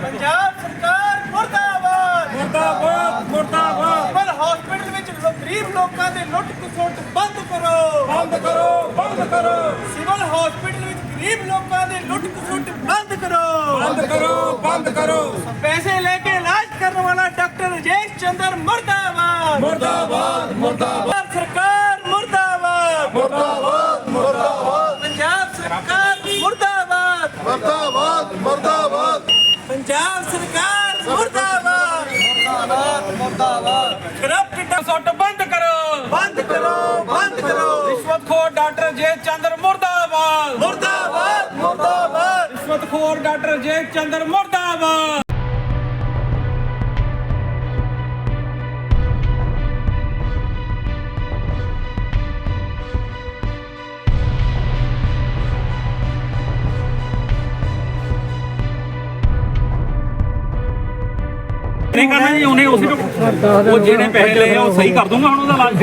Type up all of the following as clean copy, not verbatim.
ਪੰਜਾਬ ਸਰਕਾਰ ਮੁਰਦਾਬਾਦ ਮੁਰਦਾਬਾਦ ਮੁਰਦਾਬਾਦ। ਸਿਵਲ ਹਸਪੀਟਲ ਵਿੱਚ ਗਰੀਬ ਲੋਕਾਂ ਦੇ ਲੁੱਟ ਖਸੁੱਟ ਬੰਦ ਕਰੋ ਬੰਦ ਕਰੋ ਬੰਦ ਕਰੋ ਸਿਵਲ ਹਸਪੀਟਲ ਵਿੱਚ ਗਰੀਬ ਲੋਕਾਂ ਦੇ ਲੁੱਟ ਖਸੁੱਟ ਬੰਦ ਕਰੋ ਬੰਦ ਕਰੋ ਬੰਦ ਕਰੋ। ਪੈਸੇ ਲੈ ਕੇ ਇਲਾਜ ਕਰਨ ਵਾਲਾ ਡਾਕਟਰ ਰਜੇਸ਼ ਚੰਦਰ ਮੁਰਦਾਬਾਦ ਮੁਰਦਾਬਾਦ ਮੁਰਦਾਬਾਦ ਸਰਕਾਰ ਮੁਰਦਾਬਾਦ ਮੁਰਦਾਬਾਦ ਮੁਰਦਾਬਾਦ ਪੰਜਾਬ ਸਰਕਾਰ ਮੁਰਦਾਬਾਦ ਮੁਰਦਾਬਾਦ ਮੁਰਦਾਬਾਦ। ਪੰਜਾਬ ਸਰਕਾਰ ਮੁਰਦਾਬਾਦ ਕਰਪਟ ਸੁੱਟ ਬੰਦ ਕਰੋ ਬੰਦ ਕਰੋ ਬੰਦ ਕਰੋ ਰਿਸ਼ਵਤਖੋਰ ਡਾਕਟਰ ਜੇ ਚੰਦਰ ਮੁਰਦਾਬਾਦ ਮੁਰਦਾਬਾਦ ਮੁਰਦਾਬਾਦ ਰਿਸ਼ਵਤਖੋਰ ਡਾਕਟਰ ਜੇ ਚੰਦਰ ਮੁਰਦਾਬਾਦ। ਨਹੀਂ ਕਰਨਾ ਜੀ ਉਹਨੇ ਉਸੇ ਉਹ ਜਿਹੜੇ ਪੈਸੇ ਲਏ ਆ ਉਹ ਸਹੀ ਕਰ ਦੂੰਗਾ ਹੁਣ ਉਹਦਾ ਇਲਾਜ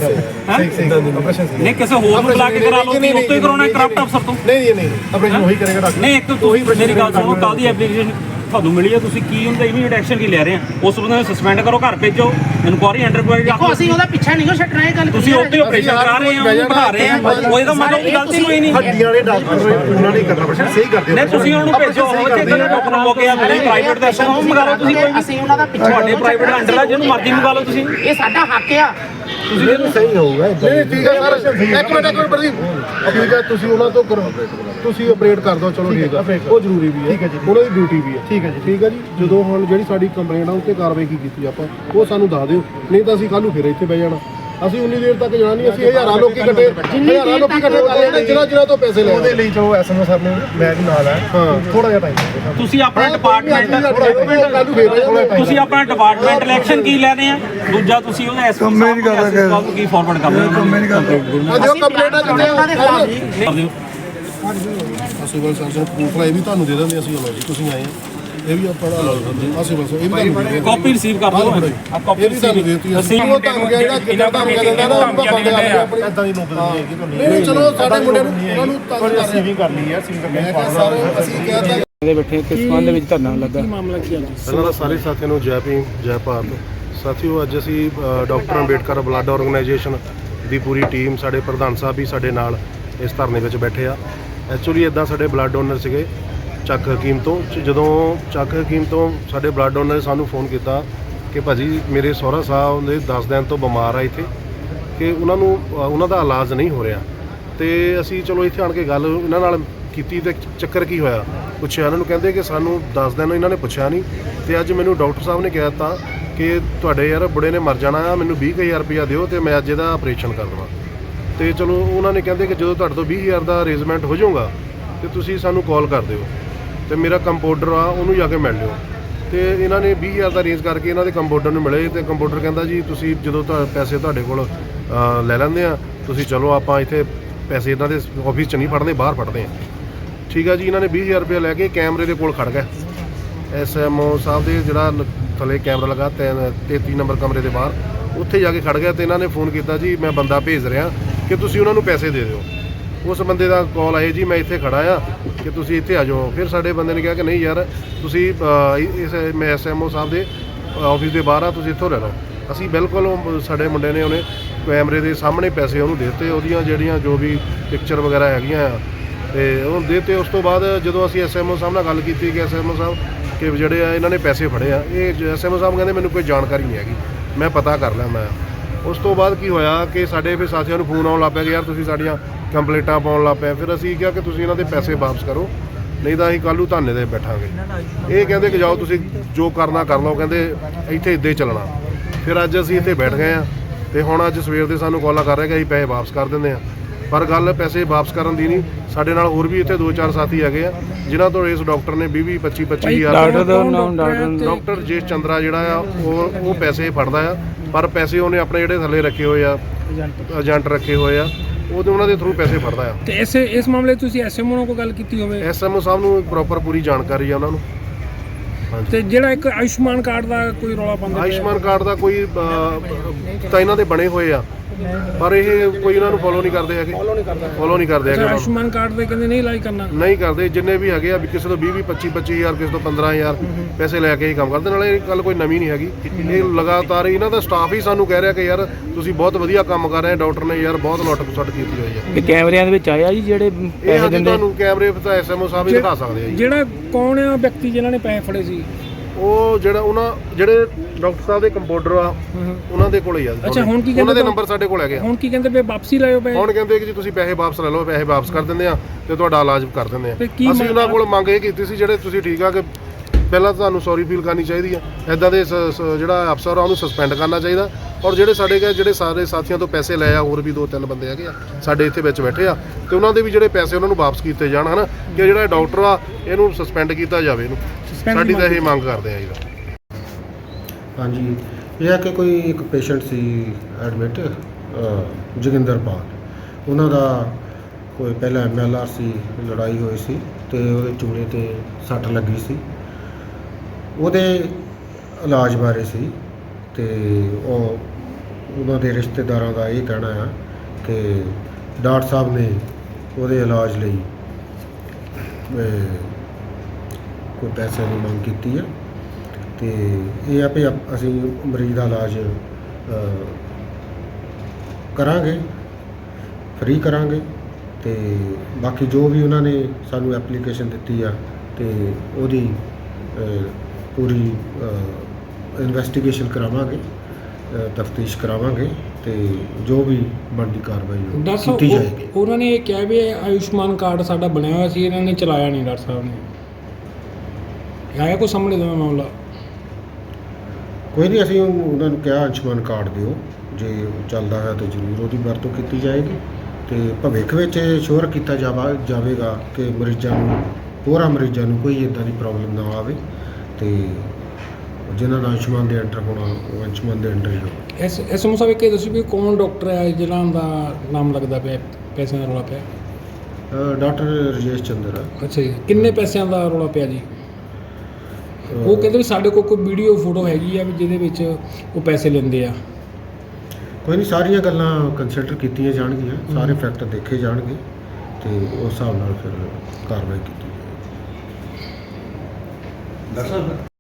ਨਹੀਂ ਕਿਸੇ ਹੋਰ ਨੂੰ ਬੁਲਾ ਕੇ ਕਰਾ ਲਓ ਕਿ ਉੱਤੋਂ ਹੀ ਕਰਾਉਣਾ ਕਰਪਟ ਅਫਸਰ ਤੋਂ ਨਹੀਂ ਆਪਰੇਸ਼ਨ ਉਹੀ ਕਰੇਗਾ ਡਾਕਟਰ। ਨਹੀਂ ਇੱਕ ਤੁਸੀਂ ਮੇਰੀ ਗੱਲ ਸੁਣੋ ਕੱਲ ਦੀ ਐਪਲੀਕੇਸ਼ਨ ਤੁਹਾਨੂੰ ਮਿਲੀ ਹੈ ਤੁਸੀਂ ਕੀ ਹੁੰਦਾ ਇਮੀਡੀਏਟ ਐਕਸ਼ਨ ਕੀ ਲੈ ਰਹੇ ਆ ਉਸ ਬੰਦੇ ਨੂੰ ਸਸਪੈਂਡ ਕਰੋ ਘਰ ਭੇਜੋ ਇਨਕੁਆਰੀ ਅੰਡਰਕੁਆਰੀ ਦੇਖੋ ਅਸੀਂ ਉਹਦਾ ਪਿੱਛਾ ਨਹੀਂ ਛੱਡਣਾ ਇਹ ਗੱਲ ਤੁਸੀਂ ਉੱਤੇ ਆਪਰੇਸ਼ਨ ਕਰਾ ਰਹੇ ਆ ਉਹਨੂੰ ਬਿਠਾ ਰਹੇ ਆ ਉਹ ਇਹਦਾ ਮਤਲਬ ਕੋਈ ਗਲਤੀ ਕੋਈ ਨਹੀਂ ਹੱਡੀਆਂ ਵਾਲੇ ਡਾਕਟਰ ਉਹਨਾਂ ਨੇ ਕਰਨਾ ਆਪਰੇਸ਼ਨ ਸਹੀ ਕਰਦੇ ਨਹੀਂ ਤੁਸੀਂ ਉਹਨੂੰ ਭੇਜੋ ਇੱਥੇ ਕਿਹੜਾ ਡਾਕਟਰ ਲੋਕ ਆ ਤੁਸੀਂ ਪ੍ਰਾਈਵੇਟ ਦਾ ਉਹ ਮੰਗਾ ਲਓ ਤੁਸੀਂ ਕੋਈ ਅਸੀਂ ਉਹਨਾਂ ਦਾ ਪਿੱਛਾ ਤੁਹਾਡੇ ਪ੍ਰਾਈਵੇਟ ਅੰਡਰ ਆ ਜਿਹਨੂੰ ਮਰਜ਼ੀ ਮੰਗਾ ਲਓ ਤੁਸੀਂ ਇਹ ਸਾਡਾ ਹੱਕ ਆ। ਤੁਸੀਂ ਸਹੀ ਹੋਊਗਾ ਨਹੀਂ ਠੀਕ ਹੈ ਸਰ ਇੱਕ ਮਿੰਟ ਪ੍ਰਦੀਪ ਠੀਕ ਹੈ ਤੁਸੀਂ ਉਹਨਾਂ ਤੋਂ ਕਰੋ ਤੁਸੀਂ ਆਪਰੇਟ ਕਰ ਦਿਓ ਚਲੋ ਠੀਕ ਹੈ ਉਹ ਜ਼ਰੂਰੀ ਵੀ ਹੈ ਠੀਕ ਹੈ ਜੀ ਉਹਨਾਂ ਦੀ ਡਿਊਟੀ ਵੀ ਹੈ ਠੀਕ ਹੈ ਜੀ ਜਦੋਂ ਹੁਣ ਜਿਹੜੀ ਸਾਡੀ ਕੰਪਲੇਂਟ ਆ ਉੱਤੇ ਕਾਰਵਾਈ ਕੀਤੀ ਆਪਾਂ ਉਹ ਸਾਨੂੰ ਦੱਸ ਦਿਓ ਨਹੀਂ ਤਾਂ ਅਸੀਂ ਕੱਲ ਨੂੰ ਫਿਰ ਇੱਥੇ ਬਹਿ ਜਾਣਾ ਅਸੀਂ ਉਨੀ ਦੇਰ ਤੱਕ ਜਾਣਾ ਨਹੀਂ ਅਸੀਂ ਹਜ਼ਾਰਾਂ ਲੋਕੀ ਇਕੱਠੇ ਕਰ ਲੈਣੇ ਜਿਨ੍ਹਾਂ ਤੋਂ ਪੈਸੇ ਲੈ ਉਹਦੇ ਲਈ ਚਲੋ ਐਸਐਮਓ ਸਾਹਿਬ ਨੇ ਮੈਂ ਵੀ ਨਾਲ ਹੈ ਥੋੜਾ ਜਿਹਾ ਟਾਈਮ ਤੁਸੀਂ ਆਪਣਾ ਡਿਪਾਰਟਮੈਂਟ ਤੁਸੀਂ ਆਪਣਾ ਡਿਪਾਰਟਮੈਂਟ ਇਲੈਕਸ਼ਨ ਕੀ ਲੈਣੇ ਆ ਦੂਜਾ ਤੁਸੀਂ ਉਹਦਾ ਐਸਪੀ ਸਾਹਿਬ ਨੂੰ ਕੀ ਫਾਰਵਰਡ ਕਰ ਰਹੇ ਹੋ ਜੋ ਕੰਪਲੇਂਟਾਂ ਉਹਨਾਂ ਦੇ ਖਿਲਾਫ ਸਿਵਲ ਸਰਜਨ ਪ੍ਰੂਫ ਲਾਈ ਵੀ ਤੁਹਾਨੂੰ ਦੇ ਦਿੰਦੇ ਅਸੀਂ ਲਓ ਜੀ ਤੁਸੀਂ ਆਏ ਇਹ ਵੀ ਆਪਾਂ ਲਾ ਲਓ ਆ ਸਿਵਲ ਇਹ ਵੀ ਤੁਹਾਨੂੰ ਕਾਪੀ ਰਿਸੀਵ ਕਰ ਦਿਓ ਆ ਕਾਪੀ ਇਹ ਵੀ ਤੁਹਾਨੂੰ ਦੇਤੀ ਅਸੀਂ ਉਹ ਤੁਹਾਨੂੰ ਜਿਹੜਾ ਕਿੰਨਾ ਕੰਮ ਕਰਦਾ ਨਾ ਉਹ ਬੰਦੇ ਆਪਣੀ ਇਦਾਂ ਦੀ ਨੌਬਤ ਨਹੀਂ ਹੈਗੀ ਤੁਹਾਨੂੰ ਨਹੀਂ ਚਲੋ ਸਾਡੇ ਮੁੰਡੇ ਨੂੰ ਉਹਨਾਂ ਨੂੰ ਤੰਗ ਕਰ ਰਿਸੀਵਿੰਗ ਕਰਨੀ ਹੈ ਅਸੀਂ ਕਹਿੰਦਾ ਦੇ ਬੈਠੇ ਕਿਸ ਸੰਬੰਧ ਦੇ ਵਿੱਚ ਧਰਨਾ ਲੱਗਾ ਮਾਮਲਾ ਕੀ ਹੈ? ਪਹਿਲਾਂ ਤਾਂ ਸਾਰੇ ਸਾਥੀਆਂ ਨੂੰ ਜੈ ਭੀਮ ਜੈ ਭਾਰਤ। ਸਾਥੀਓ ਅੱਜ ਅਸੀਂ ਡਾਕਟਰ ਅੰਬੇਡਕਰ ਬਲੱਡ ਆਰਗੇਨਾਈਜੇਸ਼ਨ ਦੀ ਪੂਰੀ ਟੀਮ ਸਾਡੇ ਪ੍ਰਧਾਨ ਸਾਹਿਬ ਵੀ ਸਾਡੇ ਨਾਲ ਇਸ ਧਰਨੇ ਵਿੱਚ ਬੈਠੇ ਆ। ਐਕਚੁਅਲੀ ਇਦਾਂ ਸਾਡੇ ਬਲੱਡ ਡੋਨਰ ਸੀਗੇ ਚੱਕ ਹਕੀਮ ਤੋਂ ਜਦੋਂ ਚੱਕ ਹਕੀਮ ਤੋਂ ਸਾਡੇ ਬਲੱਡ ਡੋਨਰ ਨੇ ਸਾਨੂੰ ਫੋਨ ਕੀਤਾ ਕਿ ਭਾਜੀ ਮੇਰੇ ਸਹੁਰਾ ਸਾਹਿਬ ਦੇ 10 ਦਿਨ ਤੋਂ ਬਿਮਾਰ ਆ ਇੱਥੇ ਕਿ ਉਹਨਾਂ ਦਾ ਇਲਾਜ ਨਹੀਂ ਹੋ ਰਿਹਾ ਤੇ ਅਸੀਂ ਚਲੋ ਇੱਥੇ ਆਣ ਕੇ ਗੱਲ ਇਹਨਾਂ ਨਾਲ ਕੀਤੀ ਤੇ ਚੱਕਰ ਕੀ ਹੋਇਆ ਪੁੱਛਿਆ ਇਹਨਾਂ ਨੂੰ ਕਹਿੰਦੇ ਕਿ ਸਾਨੂੰ 10 ਦਿਨ ਇਹਨਾਂ ਨੇ ਪੁੱਛਿਆ ਨਹੀਂ ਤੇ ਅੱਜ ਮੈਨੂੰ ਡਾਕਟਰ ਸਾਹਿਬ ਨੇ ਕਹਿ ਦਿੱਤਾ ਕਿ ਤੁਹਾਡੇ ਯਾਰ ਬੁੜੇ ਨੇ ਮਰ ਜਾਣਾ ਆ ਮੈਨੂੰ 20,000 ਰੁਪਇਆ ਦਿਓ ਤੇ ਮੈਂ ਅੱਜ ਇਹਦਾ ਆਪਰੇਸ਼ਨ ਕਰ ਦੇਵਾਂ ਤੇ ਚਲੋ ਉਹਨਾਂ ਨੇ ਕਹਿੰਦੇ ਕਿ ਜਦੋਂ ਤੁਹਾਡੇ ਤੋਂ 20,000 ਦਾ ਅਰੇਂਜਮੈਂਟ ਹੋ ਜਾਊਗਾ ਤੇ ਤੁਸੀਂ ਸਾਨੂੰ ਕਾਲ ਕਰ ਦਿਓ ਤੇ ਮੇਰਾ ਕੰਪਾਊਂਡਰ ਆ ਉਹਨੂੰ ਜਾ ਕੇ ਮਿਲ ਲਿਓ ਤੇ ਇਹਨਾਂ ਨੇ 20,000 ਦਾ ਅਰੇਂਜ ਕਰਕੇ ਇਹਨਾਂ ਦੇ ਕੰਪਾਊਂਡਰ ਨੂੰ ਮਿਲੇ ਤੇ ਕੰਪਾਊਂਡਰ ਕਹਿੰਦਾ ਜੀ ਤੁਸੀਂ ਜਦੋਂ ਪੈਸੇ ਤੁਹਾਡੇ ਕੋਲ ਲੈ ਲੈਂਦੇ ਆ ਤੁਸੀਂ ਚਲੋ ਆਪਾਂ ਇੱਥੇ ਪੈਸੇ ਇਹਨਾਂ ਦੇ ਆਫਿਸ 'ਚ ਨਹੀਂ ਫੜਦੇ ਬਾਹਰ ਫੜਦੇ ਆ ਠੀਕ ਆ ਜੀ। ਇਹਨਾਂ ਨੇ 20,000 ਰੁਪਇਆ ਲੈ ਕੇ ਕੈਮਰੇ ਦੇ ਕੋਲ ਖੜ ਗਏ ਐਸਐਮਓ ਸਾਹਿਬ ਦੇ ਜਿਹੜਾ ਥੱਲੇ ਕੈਮਰਾ ਲੱਗਾ 33 ਨੰਬਰ ਕਮਰੇ ਦੇ ਬਾਹਰ ਉੱਥੇ ਜਾ ਕੇ ਖੜ ਗਿਆ ਤੇ ਇਹਨਾਂ ਨੇ ਫੋਨ ਕੀਤਾ ਜੀ ਮੈਂ ਬੰਦਾ ਭੇਜ ਰਿਹਾ ਕਿ ਤੁਸੀਂ ਉਹਨਾਂ ਨੂੰ ਪੈਸੇ ਦੇ ਦਿਓ। ਉਸ ਬੰਦੇ ਦਾ ਕਾਲ ਆਏ ਜੀ ਮੈਂ ਇੱਥੇ ਖੜਾ ਆ ਕਿ ਤੁਸੀਂ ਇੱਥੇ ਆ ਜਾਓ। ਫਿਰ ਸਾਡੇ ਬੰਦੇ ਨੇ ਕਿਹਾ ਕਿ ਨਹੀਂ ਯਾਰ ਤੁਸੀਂ ਮੈਂ ਐਸਐਮਓ ਸਾਹਿਬ ਦੇ ਆਫਿਸ ਦੇ ਬਾਹਰ ਆ ਤੁਸੀਂ ਇੱਥੋਂ ਲੈ ਲਓ। ਅਸੀਂ ਬਿਲਕੁਲ ਸਾਡੇ ਮੁੰਡੇ ਨੇ ਉਹਨੇ ਕੈਮਰੇ ਦੇ ਸਾਹਮਣੇ ਪੈਸੇ ਉਹਨੂੰ ਦੇ ਦਿੱਤੇ ਉਹਦੀਆਂ ਜਿਹੜੀਆਂ ਜੋ ਵੀ ਪਿਕਚਰ ਵਗੈਰਾ ਹੈਗੀਆਂ ਆ ਤੇ ਉਹਨੂੰ ਦੇ ਦਿੱਤੇ। ਉਸ ਤੋਂ ਬਾਅਦ ਜਦੋਂ ਅਸੀਂ ਐਸਐਮਓ ਸਾਹਿਬ ਨਾਲ ਗੱਲ ਕੀਤੀ ਕਿ ਐਸਐਮਓ ਸਾਹਿਬ ਕਿ ਜਿਹੜੇ ਆ ਇਹਨਾਂ ਨੇ ਪੈਸੇ ਫੜੇ ਆ ਇਹ ਐਸਐਮਓ ਸਾਹਿਬ ਕਹਿੰਦੇ ਮੈਨੂੰ ਕੋਈ ਜਾਣਕਾਰੀ ਨਹੀਂ ਹੈਗੀ ਮੈਂ ਪਤਾ ਕਰ ਲਿਆ ਮੈਂ। ਉਸ ਤੋਂ ਬਾਅਦ ਕੀ ਹੋਇਆ ਕਿ ਸਾਡੇ ਫਿਰ ਸਾਥੀਆਂ ਨੂੰ ਫੋਨ ਆਉਣ ਲੱਗ ਪਿਆ ਕਿ ਯਾਰ ਤੁਸੀਂ ਸਾਡੀਆਂ ਕੰਪਲੇਂਟਾਂ ਪਾਉਣ ਲੱਗ ਪਏ। ਫਿਰ ਅਸੀਂ ਕਿਹਾ ਕਿ ਤੁਸੀਂ ਇਹਨਾਂ ਦੇ ਪੈਸੇ ਵਾਪਸ ਕਰੋ ਨਹੀਂ ਤਾਂ ਅਸੀਂ ਕੱਲ੍ਹ ਨੂੰ ਧਰਨੇ 'ਤੇ ਬੈਠਾਂਗੇ। ਇਹ ਕਹਿੰਦੇ ਕਿ ਜਾਓ ਤੁਸੀਂ ਜੋ ਕਰਨਾ ਕਰ ਲਓ ਕਹਿੰਦੇ ਇੱਥੇ ਇੱਦਾਂ ਹੀ ਚੱਲਣਾ। ਫਿਰ ਅੱਜ ਅਸੀਂ ਇੱਥੇ ਬੈਠ ਗਏ ਹਾਂ ਤੇ ਹੁਣ ਅੱਜ ਸਵੇਰ ਦੇ ਸਾਨੂੰ ਕਾਲਾਂ ਕਰ ਰਹੇ ਕਿ ਅਸੀਂ ਪੈਸੇ ਵਾਪਸ ਕਰ ਦਿੰਦੇ ਹਾਂ ਪਰ ਗੱਲ ਪੈਸੇ ਵਾਪਸ ਕਰਨ ਦੀ ਨਹੀਂ। ਸਾਡੇ ਨਾਲ ਹੋਰ ਵੀ ਇੱਥੇ 2-4 ਸਾਥੀ ਹੈਗੇ ਆ ਜਿਨ੍ਹਾਂ ਤੋਂ ਇਸ ਡਾਕਟਰ ਨੇ 20-25,000 ਡਾਕਟਰ ਜੇਸ਼ ਚੰਦਰਾ ਜਿਹੜਾ ਆ ਉਹ ਪੈਸੇ ਫੜਦਾ ਆ ਪਰ ਪੈਸੇ ਉਹਨੇ ਆਪਣੇ ਜਿਹੜੇ ਥੱਲੇ ਰੱਖੇ ਹੋਏ ਆ ਏਜੰਟ ਰੱਖੇ ਹੋਏ ਆ ਉਹਨਾਂ ਦੇ ਥਰੂ ਪੈਸੇ ਫੜਦਾ ਆ। ਤੇ ਇਸ ਮਾਮਲੇ ਤੁਸੀਂ ਐਸਐਮਓ ਨਾਲ ਕੋਈ ਗੱਲ ਕੀਤੀ ਹੋਵੇ? ਐਸਐਮਓ ਸਾਹਿਬ ਨੂੰ ਪ੍ਰੋਪਰ ਪੂਰੀ ਜਾਣਕਾਰੀ ਆ ਉਹਨਾਂ ਨੂੰ। ਤੇ ਜਿਹੜਾ ਇੱਕ ਆਯੁਸ਼ਮਾਨ ਕਾਰਡ ਦਾ ਕੋਈ ਰੌਲਾ ਪਾਉਂਦਾ ਆਯੁਸ਼ਮਾਨ ਕਾਰਡ ਦਾ ਕੋਈ ਤਾਂ ਇਹਨਾਂ ਦੇ ਬਣੇ ਹੋਏ ਆ ਪਰ ਇਹ ਕੋਈ ਇਹਨਾਂ ਨੂੰ ਫੋਲੋ ਨਹੀਂ ਕਰਦੇ ਹੈਗੇ, ਫੋਲੋ ਨਹੀਂ ਕਰਦੇ ਅੱਛਾ, ਹੈਗੇ, ਆਯੁਸ਼ਮਾਨ ਕਾਰਡ ਦੇ ਕਹਿੰਦੇ ਨਹੀਂ ਇਲਾਜ ਕਰਨਾ। ਨਹੀਂ ਕਰਦੇ। ਜਿੰਨੇ ਵੀ ਹੈਗੇ ਆ ਵੀ ਕਿਸੇ ਤੋਂ 20-25 ਹਜ਼ਾਰ, ਕਿਸੇ ਤੋਂ 15,000 ਪੈਸੇ ਲੈ ਕੇ ਹੀ ਕੰਮ ਕਰਦੇ। ਨਾਲੇ ਇਹ ਗੱਲ ਕੋਈ ਨਵੀਂ ਨਹੀਂ ਹੈਗੀ, ਇਹ ਲਗਾਤਾਰ ਇਹਨਾਂ ਦਾ ਸਟਾਫ ਹੀ ਸਾਨੂੰ ਕਹਿ ਰਿਹਾ ਕਿ ਯਾਰ ਤੁਸੀਂ ਬਹੁਤ ਵਧੀਆ ਕੰਮ ਕਰ ਰਹੇ, ਡਾਕਟਰ ਨੇ ਯਾਰ ਬਹੁਤ ਲੁੱਟ-ਖਸੁੱਟ ਕੀਤੀ ਹੋਈ ਹੈ। ਤੇ ਕੈਮਰਿਆਂ ਦੇ ਵਿੱਚ ਆਇਆ ਜੀ ਜਿਹੜੇ ਇਹ ਪੈਸੇ ਹਾਂਜੀ ਦਿੰਦੇ ਤੁਹਾਨੂੰ ਕੈਮਰੇ ਤਾਂ ਐਸਐਮਓ ਸਾਹਿਬ ਹੀ ਦਿਖਾ ਸਕਦੇ ਆ ਜੀ। ਜਿਹੜਾ ਕੌਣ ਆ ਵਿਅਕਤੀ ਜਿਨ੍ਹਾਂ ਨੇ ਪੈਸੇ ਫੜੇ ਸੀ? ਉਹ ਜਿਹੜਾ ਜਿਹੜੇ ਡਾਕਟਰ ਸਾਹਿਬ ਦੇ ਕੰਪਾਊਂਡਰ ਆ ਉਹਨਾਂ ਦੇ ਕੋਲ ਹੀ ਆ। ਅੱਛਾ, ਹੁਣ ਕੀ ਉਹਨਾਂ ਦੇ ਕਹਿੰਦੇ? ਨੰਬਰ ਸਾਡੇ ਕੋਲ ਹੈਗੇ ਆ। ਹੁਣ ਕੀ ਕਹਿੰਦੇ ਵੀ ਵਾਪਸੀ ਲਾਇਓ ਪਏ? ਹੁਣ ਕਹਿੰਦੇ ਕਿ ਜੀ ਤੁਸੀਂ ਪੈਸੇ ਵਾਪਸ ਲੈ ਲਓ, ਪੈਸੇ ਵਾਪਸ ਕਰ ਦਿੰਦੇ ਆ ਤੇ ਤੁਹਾਡਾ ਇਲਾਜ ਕਰ ਦਿੰਦੇ ਆ। ਤੇ ਕੀ ਅਸੀਂ ਉਹਨਾਂ ਕੋਲ ਮੰਗ ਇਹ ਕੀਤੀ ਸੀ ਜਿਹੜੇ ਤੁਸੀਂ ਠੀਕ ਆ ਕਿ ਪਹਿਲਾਂ ਤੁਹਾਨੂੰ ਸੌਰੀ ਫੀਲ ਕਰਨੀ ਚਾਹੀਦੀ ਆ, ਐਦਾਂ ਦੇ ਜਿਹੜਾ ਅਫਸਰ ਆ ਉਹਨੂੰ ਸਸਪੈਂਡ ਕਰਨਾ ਚਾਹੀਦਾ। ਔਰ ਜਿਹੜੇ ਸਾਡੇ ਜਿਹੜੇ ਸਾਰੇ ਸਾਥੀਆਂ ਤੋਂ ਪੈਸੇ ਲਏ ਆ, ਹੋਰ ਵੀ 2-3 ਬੰਦੇ ਹੈਗੇ ਆ ਸਾਡੇ ਇੱਥੇ ਵਿੱਚ ਬੈਠੇ ਆ, ਤੇ ਉਹਨਾਂ ਦੇ ਵੀ ਜਿਹੜੇ ਪੈਸੇ ਉਹਨਾਂ ਨੂੰ ਵਾਪਸ ਕੀਤੇ ਜਾਣ, ਹਨਾ ਕਿ ਜਿਹੜਾ ਡਾਕਟਰ ਆ ਇਹਨੂੰ ਸਸਪੈਂਡ ਕੀਤਾ ਜਾਵੇ, ਇਹਨੂੰ ਸਾਡੀ ਤਾਂ ਇਹ ਮੰਗ ਕਰਦੇ ਆ ਜੀ। ਹਾਂਜੀ, ਇਹ ਹੈ ਕਿ ਕੋਈ ਇੱਕ ਪੇਸ਼ੈਂਟ ਸੀ ਐਡਮਿਟ ਜੋਗਿੰਦਰਪਾਲ, ਉਹਨਾਂ ਦਾ ਕੋਈ ਪਹਿਲਾਂ MLR ਸੀ, ਲੜਾਈ ਹੋਈ ਸੀ ਤੇ ਉਹਦੇ ਚੂਲੇ ਤੇ ਸੱਟ ਲੱਗੀ ਸੀ। ਉਹਦੇ ਇਲਾਜ ਬਾਰੇ ਸੀ ਤੇ ਉਹਨਾਂ ਦੇ ਰਿਸ਼ਤੇਦਾਰਾਂ ਦਾ ਇਹ ਕਹਿਣਾ ਆ ਕਿ ਡਾਕਟਰ ਸਾਹਿਬ ਨੇ ਉਹਦੇ ਇਲਾਜ ਲਈ ਕੋਈ ਪੈਸੇ ਦੀ ਮੰਗ ਕੀਤੀ ਹੈ ਤੇ ਇਹ ਆ ਵੀ ਅਸੀਂ ਮਰੀਜ਼ ਦਾ ਇਲਾਜ ਕਰਾਂਗੇ, ਫ੍ਰੀ ਕਰਾਂਗੇ ਤੇ ਬਾਕੀ ਜੋ ਵੀ ਉਹਨਾਂ ਨੇ ਸਾਨੂੰ ਐਪਲੀਕੇਸ਼ਨ ਦਿੱਤੀ ਆ ਤੇ ਉਹਦੀ ਪੂਰੀ ਇਨਵੈਸਟੀਗੇਸ਼ਨ ਕਰਾਵਾਂਗੇ, ਤਫਤੀਸ਼ ਕਰਾਵਾਂਗੇ ਤੇ ਜੋ ਵੀ ਬਣਦੀ ਕਾਰਵਾਈ ਉਹ ਡਾਕਟਰ ਕੀਤੀ ਸਾਹਿਬ ਜਾਏਗੀ। ਉਹਨਾਂ ਨੇ ਇਹ ਕਿਹਾ ਵੀ ਆਯੁਸ਼ਮਾਨ ਕਾਰਡ ਸਾਡਾ ਬਣਿਆ ਹੋਇਆ ਸੀ, ਇਹਨਾਂ ਨੇ ਚਲਾਇਆ ਨਹੀਂ। ਡਾਕਟਰ ਸਾਹਿਬ ਨੇ ਆਇਆ ਕੋਈ ਸਾਹਮਣੇ ਦਾ ਮਾਮਲਾ? ਕੋਈ ਨਹੀਂ, ਅਸੀਂ ਉਹਨਾਂ ਨੂੰ ਕਿਹਾ ਆਯੁਸ਼ਮਾਨ ਕਾਰਡ ਦਿਓ, ਜੇ ਚੱਲਦਾ ਹੈ ਤਾਂ ਜ਼ਰੂਰ ਉਹਦੀ ਵਰਤੋਂ ਕੀਤੀ ਜਾਏਗੀ ਤੇ ਭਵਿੱਖ ਵਿੱਚ ਸ਼ੋਰ ਕੀਤਾ ਜਾਵੇਗਾ ਕਿ ਮਰੀਜ਼ਾਂ ਨੂੰ, ਹੋਰਾਂ ਮਰੀਜ਼ਾਂ ਨੂੰ ਕੋਈ ਇੱਦਾਂ ਦੀ ਪ੍ਰੋਬਲਮ ਨਾ ਆਵੇ ਤੇ ਜਿਨ੍ਹਾਂ ਦਾ ਆਯੁਸ਼ਮਾਨ ਦੇ ਅੰਡਰ ਹੋਣਾ ਉਹ ਆਯੁਸ਼ਮਾਨ ਦੇ ਅੰਡਰ ਹੀ ਹੋ। ਐਸਐਮਓ ਸਾਹਿਬ ਇਹ ਦੱਸੋ ਵੀ ਕੌਣ ਡਾਕਟਰ ਹੈ ਜਿਹਨਾਂ ਦਾ ਨਾਮ ਲੱਗਦਾ ਪਿਆ ਪੈਸਿਆਂ ਦਾ ਰੌਲਾ ਪਿਆ? ਡਾਕਟਰ ਰਜੇਸ਼ ਚੰਦਰ ਆ। ਅੱਛਾ ਜੀ, ਕਿੰਨੇ ਪੈਸਿਆਂ ਦਾ ਰੌਲਾ ਪਿਆ ਜੀ? ਉਹ ਕਹਿੰਦੇ ਵੀ ਸਾਡੇ ਕੋਲ ਕੋਈ ਵੀਡੀਓ ਫੋਟੋ ਹੈਗੀ ਆ ਵੀ ਜਿਹਦੇ ਵਿੱਚ ਉਹ ਪੈਸੇ ਲੈਂਦੇ ਆ। ਕੋਈ ਨਹੀਂ, ਸਾਰੀਆਂ ਗੱਲਾਂ ਕੰਸੀਡਰ ਕੀਤੀਆਂ ਜਾਣਗੀਆਂ, ਸਾਰੇ ਫੈਕਟ ਦੇਖੇ ਜਾਣਗੇ ਤੇ ਉਸ ਹਿਸਾਬ ਨਾਲ ਫਿਰ ਕਾਰਵਾਈ ਕੀਤੀ ਜਾਏਗੀ।